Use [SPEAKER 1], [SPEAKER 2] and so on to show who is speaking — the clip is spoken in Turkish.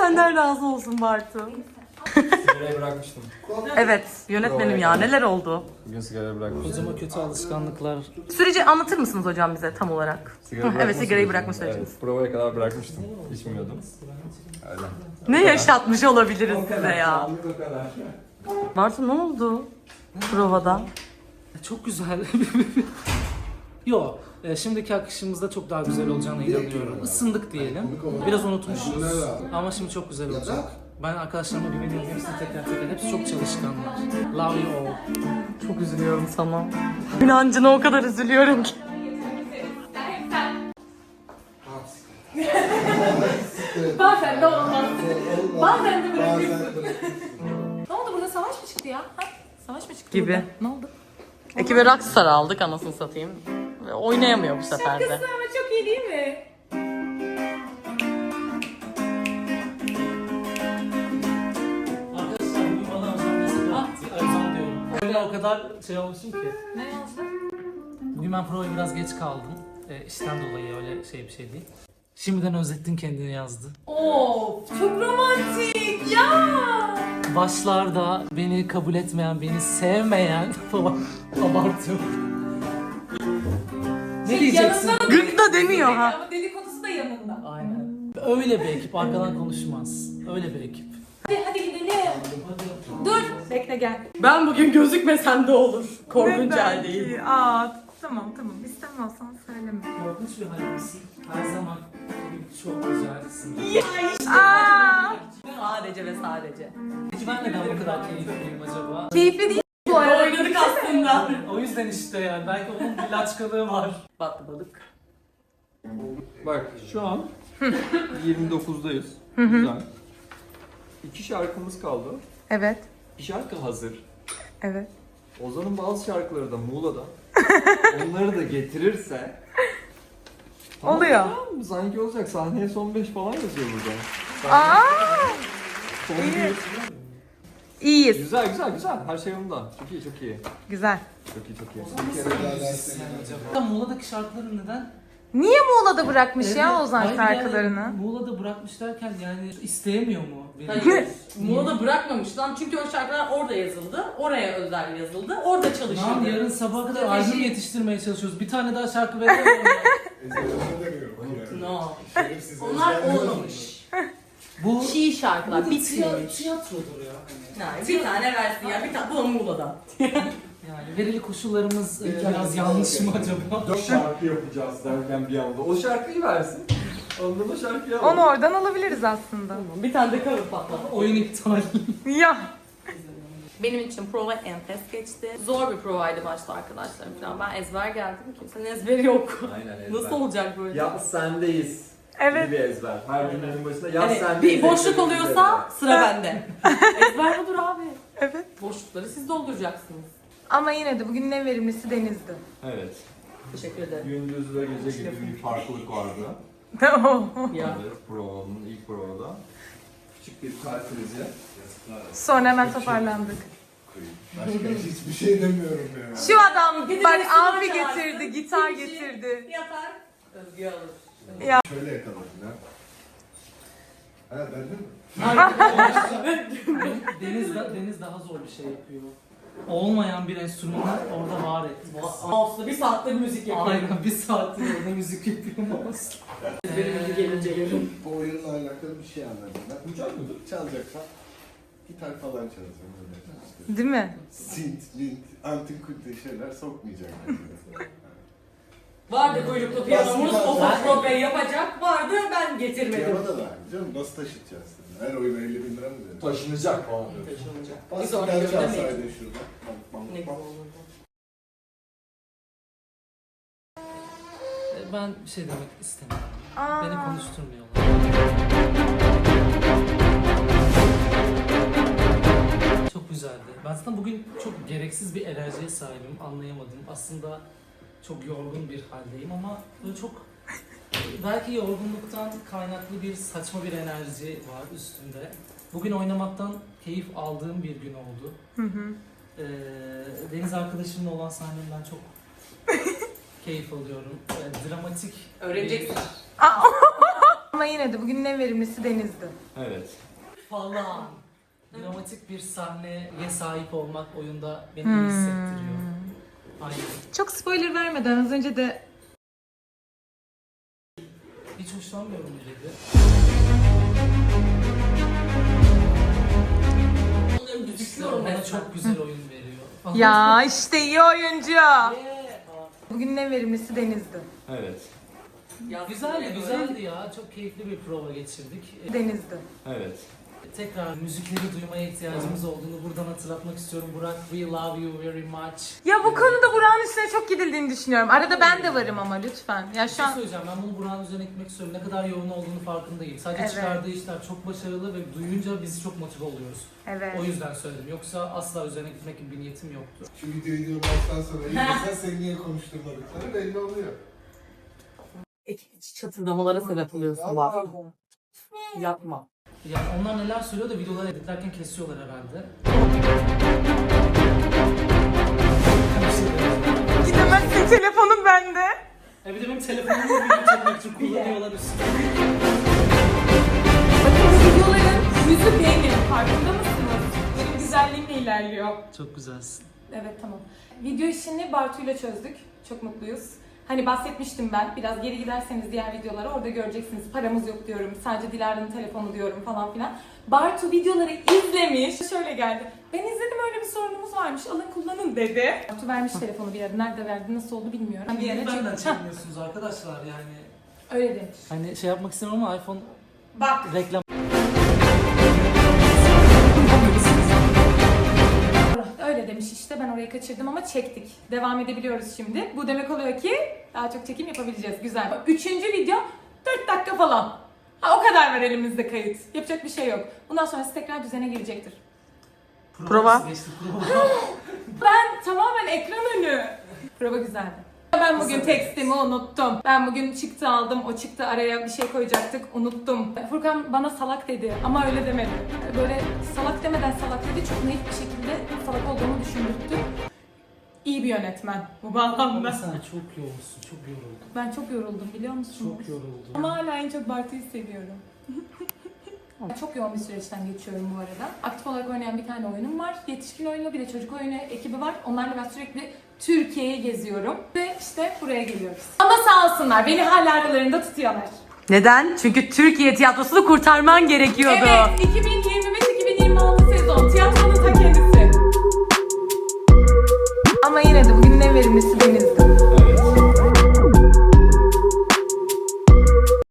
[SPEAKER 1] senden razı olsun Bartu.
[SPEAKER 2] Sigarayı bırakmıştım.
[SPEAKER 1] Evet, yönetmenim ya neler oldu?
[SPEAKER 2] Bugün sigara bırakmıştım.
[SPEAKER 3] Hocama kötü alışkanlıklar.
[SPEAKER 1] Süreci anlatır mısınız hocam bize tam olarak? Evet, sigarayı bırakma süreciniz.
[SPEAKER 2] Evet, provaya kadar bırakmıştım. İçmiyordum. Öyle.
[SPEAKER 1] Ne yaşatmış olabiliriz size ya?
[SPEAKER 2] O kadar.
[SPEAKER 1] Bartu ne oldu provada?
[SPEAKER 3] Çok güzel. Yo, şimdiki akışımızda çok daha güzel olacağına inanıyorum. Isındık diyelim. Biraz unutmuşuz. Ama şimdi çok güzel olacak. Ben arkadaşlarıma güveniyorum. Hepsi teker. Hepsi çok çalışkanlar. Love you all.
[SPEAKER 1] Çok üzülüyorum sana. İnancına o kadar üzülüyorum ki.
[SPEAKER 4] Bazen de olmaz. Bazen de bırakıyorsun. Ne oldu burada savaş mı çıktı ya? Ha? Savaş mı çıktı
[SPEAKER 1] Gibi.
[SPEAKER 4] burada? Ne oldu?
[SPEAKER 1] Ekibe Rockstar aldık anasını satayım. Ve oynayamıyor bu sefer de.
[SPEAKER 4] Şakası ama çok iyi değil mi?
[SPEAKER 3] Arkadaşlar bugün bana Özlem mesaj attı. Özlem diyorum. Öyle o kadar şey olmuşum ki.
[SPEAKER 4] Ne oldu?
[SPEAKER 3] Bugün ben provaya biraz geç kaldım. İşten dolayı öyle bir şey değil. Şimdiden özlettin kendini yazdı.
[SPEAKER 4] Oo, çok romantik ya.
[SPEAKER 3] Başlarda beni kabul etmeyen, beni sevmeyen falan abartıyorum. Ne diyeceksin?
[SPEAKER 4] Yanında
[SPEAKER 1] Gık da demiyor ha.
[SPEAKER 4] ama dedikodusu da yanında.
[SPEAKER 3] Aynen. Öyle bir ekip, arkadan konuşmaz. Öyle bir ekip.
[SPEAKER 4] Hadi gidelim. Dur. Bekle gel.
[SPEAKER 1] Ben bugün gözükmesem de olur. Korkunç haldeyiz.
[SPEAKER 4] Aa, tamam İstemiyorsan söyleme.
[SPEAKER 3] Korkunç bir halimsin. Her zaman çok güzelsin.
[SPEAKER 1] Sadece ve sadece.
[SPEAKER 3] Peki ben neden bu kadar keyifliyim acaba?
[SPEAKER 4] Keyifli değil bu arada.
[SPEAKER 1] Oynadık aslında.
[SPEAKER 3] O yüzden işte yani. Belki onun bir laçkalığı var.
[SPEAKER 1] Battı balık.
[SPEAKER 2] Bak şu an 29'dayız. Güzel. 2 şarkımız kaldı.
[SPEAKER 1] Evet.
[SPEAKER 2] Bir şarkı hazır.
[SPEAKER 1] Evet.
[SPEAKER 2] Ozan'ın bazı şarkıları da Muğla'da. Onları da getirirse
[SPEAKER 1] Oluyor.
[SPEAKER 2] Tamam, sanki olacak. Sahneye son 5 falan yazıyor burada.
[SPEAKER 1] Aa!
[SPEAKER 2] Son
[SPEAKER 1] iyi.
[SPEAKER 2] bir.
[SPEAKER 1] İyiyiz.
[SPEAKER 2] Güzel. Her şey yolunda. Çok iyi.
[SPEAKER 1] Güzel.
[SPEAKER 2] Çok iyi.
[SPEAKER 3] Acaba Muğla'daki şarkıları neden?
[SPEAKER 1] Niye Muğla'da bırakmış
[SPEAKER 3] Evet,
[SPEAKER 1] ya Ozan
[SPEAKER 3] hayır
[SPEAKER 1] şarkılarını?
[SPEAKER 3] Yani, Muğla'da bırakmış derken yani isteyemiyor mu? Beni?
[SPEAKER 5] Hayır. Muğla'da bırakmamış lan çünkü o şarkılar orada yazıldı. Oraya özel yazıldı. Orada
[SPEAKER 3] Lan
[SPEAKER 5] çalışıldı.
[SPEAKER 3] yarın sabaha kadar
[SPEAKER 5] Strateji.
[SPEAKER 3] albüm yetiştirmeye çalışıyoruz. Bir tane daha şarkı veremiyorum ya.
[SPEAKER 5] No. Onlar olmamış.
[SPEAKER 3] Bu
[SPEAKER 5] Çiğ şarkılar
[SPEAKER 3] bu
[SPEAKER 5] bitmemiş.
[SPEAKER 3] tiyatrodur ya.
[SPEAKER 5] Yani bir tane versin ya. Bir tane bu da Muğla'dan.
[SPEAKER 3] Yani verili koşullarımız biraz yanlış mı acaba?
[SPEAKER 2] 4 şarkı yapacağız derken bir anda. O şarkıyı versin. Ondan o şarkıyı alalım.
[SPEAKER 1] Onu oradan alabiliriz aslında.
[SPEAKER 5] Bir tane de cover patladı.
[SPEAKER 3] Oyun iptal.
[SPEAKER 1] Ya.
[SPEAKER 5] Benim için prova enfes geçti. Zor bir provaydı başta arkadaşlarım falan. Ben ezber geldim. Kimsenin ezberi yok.
[SPEAKER 2] Aynen ezber.
[SPEAKER 5] Nasıl olacak böyle?
[SPEAKER 2] Ya sendeyiz.
[SPEAKER 1] Evet.
[SPEAKER 2] Bir ezber. Her cümlenin başında ya
[SPEAKER 5] Hani
[SPEAKER 2] sendeyiz.
[SPEAKER 5] bir boşluk
[SPEAKER 2] ezberimiz
[SPEAKER 5] oluyorsa
[SPEAKER 2] ezber.
[SPEAKER 5] sıra bende. Ezber budur abi.
[SPEAKER 1] Evet.
[SPEAKER 5] Boşlukları siz dolduracaksınız.
[SPEAKER 1] Ama yine de bugün en verimlisi Deniz'di.
[SPEAKER 2] Evet.
[SPEAKER 5] Teşekkür ederim.
[SPEAKER 2] Gündüz ve gece gibi bir farklılık vardı.
[SPEAKER 5] Ya.
[SPEAKER 2] Evet, provanın ilk provada. Küçük bir kalp krizi.
[SPEAKER 1] Sonra hemen toparlandık.
[SPEAKER 6] Başka hiçbir şey demiyorum ya.
[SPEAKER 1] Şu adam
[SPEAKER 5] Bir de
[SPEAKER 1] bak
[SPEAKER 5] enstrüman
[SPEAKER 1] amfi
[SPEAKER 5] çalarsın,
[SPEAKER 1] getirdi, gitar
[SPEAKER 5] bir şey
[SPEAKER 1] getirdi.
[SPEAKER 5] Yatar. Özgü alır.
[SPEAKER 6] Şöyle yakaladın ha. Ha bende mi?
[SPEAKER 3] Deniz daha zor bir şey yapıyor. Olmayan bir enstrümanı orada var etti.
[SPEAKER 5] Mouse'la bir saatte müzik yapıyor.
[SPEAKER 3] Aynen bir saattir orada müzik yapıyor mouse.
[SPEAKER 5] Benim müzik gelince gelirim.
[SPEAKER 6] Bu oyunla alakalı bir şey anladım ben.
[SPEAKER 2] Uçak mıdır?
[SPEAKER 6] Çalacaksan gitar falan çalacağım öyle. İşte.
[SPEAKER 1] Değil mi?
[SPEAKER 6] Synth, lint, antik kunti şeyler sokmayacağım.
[SPEAKER 5] Vardı kuyruklu piyanomuz, o fotoğrafı yapacak. Vardı, ben getirmedim.
[SPEAKER 6] Piyano da var canım, nasıl taşıtacağız seni? Her oyuna 50 bin lira mı verir?
[SPEAKER 2] Taşınacak falan.
[SPEAKER 5] Taşınacak.
[SPEAKER 6] Bas
[SPEAKER 5] Bir sonraki
[SPEAKER 6] gitar
[SPEAKER 5] bölümde mi?
[SPEAKER 6] çalsaydın şurada.
[SPEAKER 5] Ne güzel olurdu.
[SPEAKER 3] Ben bir şey demek istemiyorum.
[SPEAKER 1] Aa.
[SPEAKER 3] Beni konuşturmuyorlar. Çok güzeldi. Ben zaten bugün çok gereksiz bir enerjiye sahibim. Anlayamadım. Aslında çok yorgun bir haldeyim ama böyle çok belki yorgunluktan kaynaklı bir saçma bir enerji var üstümde. Bugün oynamaktan keyif aldığım bir gün oldu. Deniz arkadaşımla olan sahnemden çok keyif alıyorum. Dramatik.
[SPEAKER 5] Öğreneceksin.
[SPEAKER 4] Ama yine de bugünün en verimlisi Deniz'di.
[SPEAKER 2] Evet.
[SPEAKER 3] Falan. Dramatik bir sahneye sahip olmak oyunda beni iyi hissettiriyor. Aynen.
[SPEAKER 4] Çok spoiler vermeden az önce de
[SPEAKER 3] Hiç hoşlanmıyorum dedi. Bana çok güzel oyun veriyor.
[SPEAKER 4] ya işte iyi oyuncu.
[SPEAKER 3] Yeah.
[SPEAKER 4] Bugünün en verimlisi Deniz'di.
[SPEAKER 2] Evet.
[SPEAKER 3] Güzeldi ya. Çok keyifli bir prova geçirdik.
[SPEAKER 4] Deniz'di.
[SPEAKER 2] Evet.
[SPEAKER 3] Tekrar müzikleri duymaya ihtiyacımız olduğunu buradan hatırlatmak istiyorum. Burak, we love you very much.
[SPEAKER 4] Ya bu konuda Burak'ın üstüne çok gidildiğini düşünüyorum. Arada ben de varım ama lütfen. Ya
[SPEAKER 3] Bir
[SPEAKER 4] şu
[SPEAKER 3] şey
[SPEAKER 4] an
[SPEAKER 3] söyleyeceğim, ben bunu Burak'ın üzerine gitmek istiyorum. Ne kadar yoğun olduğunu farkındayım. Sadece
[SPEAKER 4] Evet.
[SPEAKER 3] çıkardığı işler çok başarılı ve duyunca biz çok motive oluyoruz.
[SPEAKER 4] evet.
[SPEAKER 3] O yüzden söyledim. Yoksa asla üzerine gitmek gibi bir niyetim yoktu.
[SPEAKER 6] Şu videoyu izledikten sonra iyi mesela seni niye konuşturmadıkları belli oluyor.
[SPEAKER 1] Çatırdamalara sebep oluyorsun bak. Yapma.
[SPEAKER 3] Yani onlar neler söylüyor da videoları editlerken kesiyorlar herhalde.
[SPEAKER 4] Gidemezsin, telefonum bende.
[SPEAKER 3] Bir de benim telefonumu video çekmek için kullanıyorlar üstüne.
[SPEAKER 4] Videoların yüzü benim. Farkında mısınız? Benim güzelliğimle ilerliyor.
[SPEAKER 3] Çok güzelsin.
[SPEAKER 4] Evet tamam. Video işini Bartu'yla çözdük. Çok mutluyuz. Hani bahsetmiştim ben. Biraz geri giderseniz diğer videolara orada göreceksiniz. Paramız yok diyorum. Sadece Dilara'nın telefonu diyorum falan filan. Bartu videoları izlemiş. Şöyle geldi. Ben izledim, öyle bir sorunumuz varmış. Alın kullanın dedi. Bartu vermiş telefonu bir yere. Nerede verdi, nasıl oldu bilmiyorum. Bir yere
[SPEAKER 3] Benden
[SPEAKER 4] çekmiş.
[SPEAKER 3] çekmiyorsunuz arkadaşlar yani.
[SPEAKER 4] Öyle demiş.
[SPEAKER 3] Hani şey yapmak istemiyorum ama iPhone
[SPEAKER 4] Bak.
[SPEAKER 3] reklam.
[SPEAKER 4] Öyle demiş işte, ben orayı kaçırdım ama çektik. Devam edebiliyoruz şimdi. Bu demek oluyor ki daha çok çekim yapabileceğiz. Güzel. Üçüncü video 4 dakika falan. Ha, o kadar var elimizde kayıt. Yapacak bir şey yok. Bundan sonrası tekrar düzene girecektir.
[SPEAKER 1] Prova.
[SPEAKER 3] Geçti, prova.
[SPEAKER 4] Ben tamamen ekran önü. Prova güzeldi. Ben bugün tekstimi unuttum. Ben bugün çıktı aldım. O çıktı araya bir şey koyacaktık. Unuttum. Furkan bana salak dedi ama öyle demedi. Böyle salak demeden salak dedi. Çok naif bir şekilde salak olduğumu düşündürttü. İyi bir yönetmen bu
[SPEAKER 3] Ama
[SPEAKER 4] bağlamda.
[SPEAKER 3] sen çok yoğunsun, çok yoruldun.
[SPEAKER 4] Ben çok yoruldum biliyor musunuz?
[SPEAKER 3] Çok yoruldun.
[SPEAKER 4] Ama hala en çok Bartu'yu seviyorum. Çok yoğun bir süreçten geçiyorum bu arada. Aktif olarak oynayan bir tane oyunum var. Yetişkin oyunu, bir de çocuk oyunu ekibi var. Onlarla ben sürekli Türkiye'yi geziyorum. Ve işte buraya geliyoruz. Ama sağ olsunlar, beni hala aralarında tutuyorlar.
[SPEAKER 1] Neden? Çünkü Türkiye tiyatrosunu kurtarman gerekiyordu.
[SPEAKER 4] Evet, 2025-2026 sezon tiyatronun ta kendisi. Ama yine de bugünün en verimlisi Deniz'di.